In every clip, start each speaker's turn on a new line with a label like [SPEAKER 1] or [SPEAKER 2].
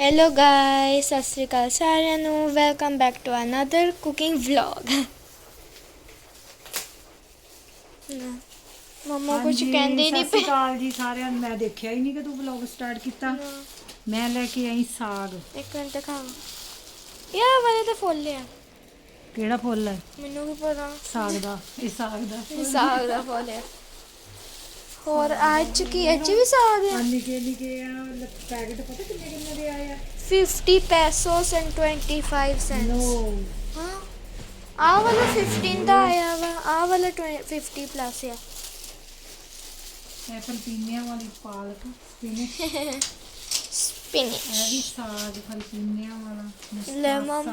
[SPEAKER 1] Hello guys, सत श्री अकाल सारिਆਂ ਨੂੰ। Welcome back to another cooking vlog. ਮਮਾ ਕੁਝ ਕਹਿੰਦੇ ਹੀ ਨਹੀਂ
[SPEAKER 2] ਸਤਿ ਸ਼੍ਰੀ ਅਕਾਲ ਜੀ ਸਾਰਿਆਂ ਨੂੰ। ਮੈਂ ਦੇਖਿਆ ਹੀ ਨਹੀਂ ਕਿ ਤੂੰ ਵਲੌਗ ਸਟਾਰਟ ਕੀਤਾ। ਮੈਂ ਲੈ ਕੇ ਆਈ ਸਾਗ।
[SPEAKER 1] ਇੱਕ ਮਿੰਟ ਖਾਓ ਯਾਰ, ਵਾਲੇ ਤਾਂ ਫੁੱਲ ਆ।
[SPEAKER 2] ਕਿਹੜਾ ਫੁੱਲ ਹੈ?
[SPEAKER 1] ਮੈਨੂੰ ਵੀ ਪਤਾ।
[SPEAKER 2] ਸਾਗ ਦਾ। ਇਹ ਸਾਗ ਦਾ
[SPEAKER 1] ਸਾਗ ਦਾ ਫੁੱਲ ਆ। ਹੋਰ ਅੱਜ ਕੀ ਅੱਜ ਵੀ ਸਾਗ ਆ?
[SPEAKER 2] ਨਿੱਕੇ ਨਿੱਕੇ ਆ ਪੈਕਟ। ਪਤਾ ਕਿੰਨੇ ਕਿੰਨੇ ਦੇ ਆਏ ਆ?
[SPEAKER 1] 50 pesos and 25 cents।
[SPEAKER 2] ਨੋ,
[SPEAKER 1] ਹਾਂ, ਆਹ ਵਾਲਾ 15 ਦਾ ਆਇਆ ਵਾ, ਆਹ ਵਾਲਾ 50 ਪਲੱਸ ਆ।
[SPEAKER 2] ਇਹ ਫਲਪੀਨੀਆਂ ਵਾਲੀ ਪਾਲਕ ਸਪਿਨਚ।
[SPEAKER 1] ਸਪਿਨਚ
[SPEAKER 2] ਇਹ ਵੀ ਸਾਗ ਫਲਪੀਨੀਆਂ ਵਾਲਾ।
[SPEAKER 1] ਲੈਮਨ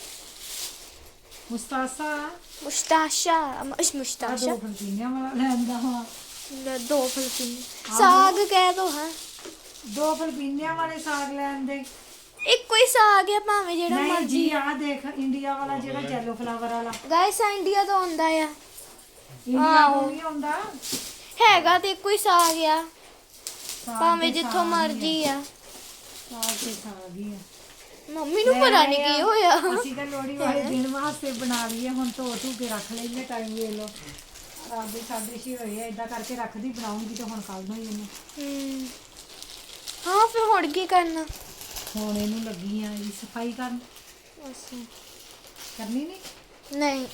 [SPEAKER 2] ਮੁਸਤਾਸਾ।
[SPEAKER 1] ਮੁਸਤਾਸ਼ਾ
[SPEAKER 2] ਮੁਸਤਾਸ਼ਾ ਦੋ ਫਲਪੀਨੀਆਂ ਵਾਲਾ ਲੈਂਦਾ ਵਾ।
[SPEAKER 1] ਦੋ ਫਲਪੀਨ ਸਾਗ ਕਹਿ ਦੋ। ਹਾਂ,
[SPEAKER 2] ਦੋ ਫਲਪੀਨੀਆਂ ਵਾਲੇ ਸਾਗ ਲੈਂਦੇ।
[SPEAKER 1] ਇੱਕੋ ਹੀ ਸਾਗ ਆ ਭਾਵੇਂ ਜਿਹੜਾ
[SPEAKER 2] ਨਹੀਂ
[SPEAKER 1] ਮਰਜੀ।
[SPEAKER 2] ਜੀ, ਆਹ ਦੇਖ ਇੰਡੀਆ ਵਾਲਾ ਜਿਹੜਾ ਯੈਲੋ ਫਲਾਵਰ ਵਾਲਾ।
[SPEAKER 1] ਗਾਇਸ ਇੰਡੀਆ ਤੋਂ ਆਉਂਦਾ ਆ।
[SPEAKER 2] ਇੰਡੀਆ ਤੋਂ ਨਹੀਂ ਆਉਂਦਾ
[SPEAKER 1] ਹੈਗਾ ਤੇ ਇੱਕੋ ਹੀ ਸਾਗ ਆ,
[SPEAKER 2] ਸਾਗ
[SPEAKER 1] ਭਾਵੇਂ
[SPEAKER 2] ਤੇ
[SPEAKER 1] ਜਿੱਥੋਂ
[SPEAKER 2] ਸਾਗ
[SPEAKER 1] ਮਰਜੀ
[SPEAKER 2] ਹੀ
[SPEAKER 1] ਆ।
[SPEAKER 2] ਸਾਗ ਤੇ ਸਾਗ ਹੀ ਆ।
[SPEAKER 1] ਮੰਮੀ ਨੂੰ ਪਤਾ ਨਹੀਂ ਕੀ ਹੋਇਆ।
[SPEAKER 2] ਅਸੀਂ ਤਾਂ ਲੋਹੜੀ ਵਾਲੇ ਦਿਨ ਵਾਸਤੇ ਬਣਾ ਲਈਏ। ਹੁਣ ਧੋ ਕੇ ਰੱਖ ਲੈਂਦੇ। ਟਾਈਮ ਵੇਖ ਲਓ, ਰਾਤ ਦੇ 6:30 ਹੋਏ ਆ। ਇਦਾਂ ਕਰਕੇ ਰੱਖਦੀ, ਬਣਾਉਂਗੀ ਤਾਂ ਹੁਣ ਕੱਲ ਨੂੰ ਹੀ ਇਹਨੂੰ।
[SPEAKER 1] ਹਾਂ, ਫਿਰ ਹੁਣ ਕੀ ਕਰਨਾ?
[SPEAKER 2] ਹੁਣ ਇਹਨੂੰ ਲੱਗੀ ਆ ਇਹਦੀ ਸਫਾਈ ਕਰਨ।
[SPEAKER 1] ਅੱਛਾ,
[SPEAKER 2] ਕਰਨੀ ਨਹੀਂ।
[SPEAKER 1] ਨਹੀਂ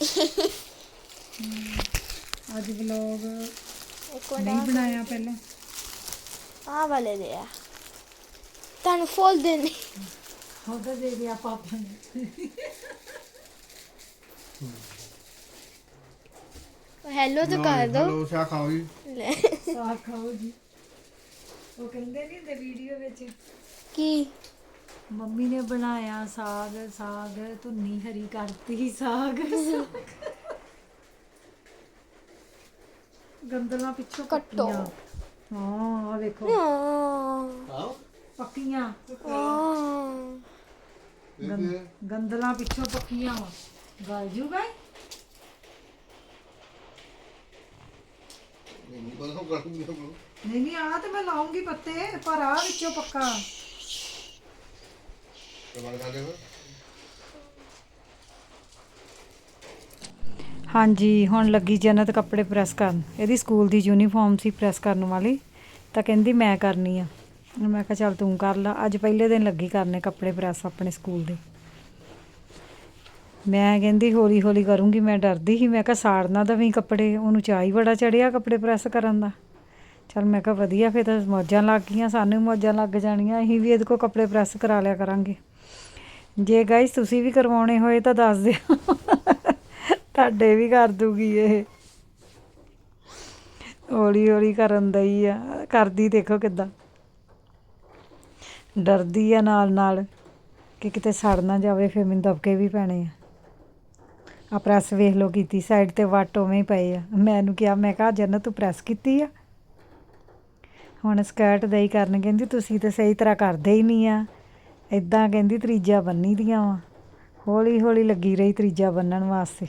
[SPEAKER 2] ਅੱਜ ਵਲੌਗ
[SPEAKER 1] ਇੱਕ
[SPEAKER 2] ਨਹੀਂ ਬਣਾਇਆ ਪਹਿਲਾਂ।
[SPEAKER 1] ਆਹ ਵਾਲੇ ਦੇ ਆ, ਤੁਹਾਨੂੰ ਫੁੱਲ ਦੇਣੇ।
[SPEAKER 2] ਉਹਦਾ ਦੇ ਦਿਆ ਪਾਪਾ ਨੇ।
[SPEAKER 1] ਹੈਲੋ ਤਾਂ ਕਰ ਦੋ।
[SPEAKER 3] ਹੈਲੋ, ਸ਼ਾ ਖਾਓ ਜੀ।
[SPEAKER 1] ਲੈ
[SPEAKER 2] ਸਾਗ ਖਾਓ ਜੀ। ਉਹ ਕਹਿੰਦੇ ਨਹੀਂ ਹੁੰਦੇ ਵੀਡੀਓ ਵਿੱਚ,
[SPEAKER 1] ਕੀ
[SPEAKER 2] ਮੰਮੀ ਨੇ ਬਣਾਇਆ ਸਾਗ। ਸਾਗ ਧੁੰਨੀ ਹਰੀ ਕਰਤੀ। ਸਾਗ ਗੰਦਲਾਂ ਪਿੱਛੋਂ
[SPEAKER 1] ਕੱਟੋ।
[SPEAKER 2] ਕੱਟੀਆਂ। ਹਾਂ, ਆ ਵੇਖੋ
[SPEAKER 3] ਆਓ
[SPEAKER 2] ਪੱਕੀਆਂ।
[SPEAKER 3] ਇਹ
[SPEAKER 2] ਗੰਦਲਾਂ ਪਿੱਛੋਂ ਪੱਕੀਆਂ ਵਾ। ਗਲ ਜੂਗਾ।
[SPEAKER 3] ਨਹੀਂ ਪਤਾ ਉਹ ਕਰੂੰਗੀ ਤਾਂ
[SPEAKER 2] ਨਹੀਂ ਨਹੀਂ, ਆ ਤੇ ਮੈਂ ਲਾਉਂਗੀ ਪੱਤੇ, ਪਰ ਆ ਵਿੱਚੋਂ ਪੱਕਾ।
[SPEAKER 3] ਕਮਾਲ ਕਰ ਦੇਗਾ।
[SPEAKER 2] ਹਾਂਜੀ, ਹੁਣ ਲੱਗੀ ਜੰਨਤ ਕੱਪੜੇ ਪ੍ਰੈਸ ਕਰਨ। ਇਹਦੀ ਸਕੂਲ ਦੀ ਯੂਨੀਫਾਰਮ ਸੀ ਪ੍ਰੈਸ ਕਰਨ ਵਾਲੀ, ਤਾਂ ਕਹਿੰਦੀ ਮੈਂ ਕਰਨੀ ਆ। ਮੈਂ ਕਿਹਾ ਚੱਲ ਤੂੰ ਕਰ ਲਾ। ਅੱਜ ਪਹਿਲੇ ਦਿਨ ਲੱਗੀ ਕਰਨੇ ਕੱਪੜੇ ਪ੍ਰੈਸ ਆਪਣੇ ਸਕੂਲ ਦੇ। ਮੈਂ ਕਹਿੰਦੀ ਹੌਲੀ ਹੌਲੀ ਕਰੂੰਗੀ। ਮੈਂ ਡਰਦੀ ਸੀ, ਮੈਂ ਕਿਹਾ ਸਾੜ ਨਾ ਦੇਵੀਂ ਕੱਪੜੇ। ਉਹਨੂੰ ਚਾਅ ਹੀ ਬੜਾ ਚੜਿਆ ਕੱਪੜੇ ਪ੍ਰੈਸ ਕਰਨ ਦਾ। ਚੱਲ ਮੈਂ ਕਿਹਾ ਵਧੀਆ, ਫਿਰ ਤਾਂ ਮੌਜਾਂ ਲੱਗ ਗਈਆਂ, ਸਾਨੂੰ ਵੀ ਮੌਜਾਂ ਲੱਗ ਜਾਣੀਆਂ। ਅਸੀਂ ਵੀ ਇਹਦੇ ਕੋਲ ਕੱਪੜੇ ਪ੍ਰੈਸ ਕਰਾ ਲਿਆ ਕਰਾਂਗੇ। ਜੇ ਗਾਇਸ ਤੁਸੀਂ ਵੀ ਕਰਵਾਉਣੇ ਹੋਏ ਤਾਂ ਦੱਸ ਦਿਓ, ਤੁਹਾਡੇ ਵੀ ਕਰ ਦੂਗੀ ਇਹ। ਹੌਲੀ ਹੌਲੀ ਕਰਨ ਦਈ ਆ। ਕਰਦੀ ਦੇਖੋ ਕਿੱਦਾਂ ਡਰਦੀ ਆ ਨਾਲ ਨਾਲ, ਕਿ ਕਿਤੇ ਸੜ ਨਾ ਜਾਵੇ, ਫਿਰ ਮੈਨੂੰ ਦਬਕੇ ਵੀ ਪੈਣੇ ਆ ਪ੍ਰੈਸ ਵੇਖ ਲਓ ਕੀਤੀ। ਸਾਈਡ 'ਤੇ ਵੱਟ ਉਵੇਂ ਹੀ ਪਏ ਆ। ਮੈਨੂੰ ਕਿਹਾ, ਮੈਂ ਕਿਹਾ ਜੰਨਤ ਤੂੰ ਪ੍ਰੈਸ ਕੀਤੀ ਆ। ਹੁਣ ਸਕਰਟ ਦਈ ਕਰਨ। ਕਹਿੰਦੀ ਤੁਸੀਂ ਤਾਂ ਸਹੀ ਤਰ੍ਹਾਂ ਕਰਦੇ ਹੀ ਨਹੀਂ ਆ। ਇੱਦਾਂ ਕਹਿੰਦੀ ਤਰੀਜਾ ਬੰਨੀ ਦੀਆਂ ਵਾ। ਹੌਲੀ ਹੌਲੀ ਲੱਗੀ ਰਹੀ ਤਰੀਜਾ ਬੰਨਣ ਵਾਸਤੇ।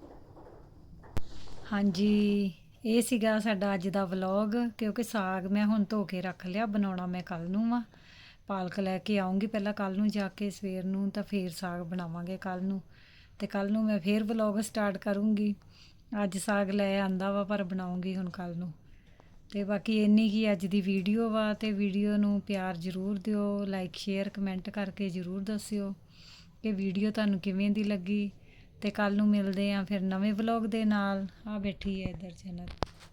[SPEAKER 2] ਹਾਂਜੀ, ਇਹ ਸੀਗਾ ਸਾਡਾ ਅੱਜ ਦਾ ਵਲੌਗ। ਕਿਉਂਕਿ ਸਾਗ ਮੈਂ ਹੁਣ ਧੋ ਕੇ ਰੱਖ ਲਿਆ, ਬਣਾਉਣਾ ਮੈਂ ਕੱਲ੍ਹ ਨੂੰ ਵਾ। ਪਾਲਕ ਲੈ ਕੇ ਆਉਂਗੀ ਪਹਿਲਾਂ ਕੱਲ੍ਹ ਨੂੰ ਜਾ ਕੇ, ਸਵੇਰ ਨੂੰ ਤਾਂ ਫੇਰ ਸਾਗ ਬਣਾਵਾਂਗੇ ਕੱਲ੍ਹ ਨੂੰ। ਅਤੇ ਕੱਲ੍ਹ ਨੂੰ ਮੈਂ ਫੇਰ ਵਲੌਗ ਸਟਾਰਟ ਕਰੂੰਗੀ। ਅੱਜ ਸਾਗ ਲੈ ਆਂਦਾ ਵਾ, ਪਰ ਬਣਾਉਂਗੀ ਹੁਣ ਕੱਲ੍ਹ ਨੂੰ। ਅਤੇ ਬਾਕੀ ਇੰਨੀ ਕੀ ਅੱਜ ਦੀ ਵੀਡੀਓ ਵਾ। ਅਤੇ ਵੀਡੀਓ ਨੂੰ ਪਿਆਰ ਜ਼ਰੂਰ ਦਿਓ, ਲਾਈਕ ਸ਼ੇਅਰ ਕਮੈਂਟ ਕਰਕੇ ਜ਼ਰੂਰ ਦੱਸਿਓ ਕਿ ਵੀਡੀਓ ਤੁਹਾਨੂੰ ਕਿਵੇਂ ਦੀ ਲੱਗੀ। ਅਤੇ ਕੱਲ੍ਹ ਨੂੰ ਮਿਲਦੇ ਹਾਂ ਫਿਰ ਨਵੇਂ ਵਲੌਗ ਦੇ ਨਾਲ। ਆ ਬੈਠੀ ਹੈ ਇੱਧਰ ਜੰਨਤ।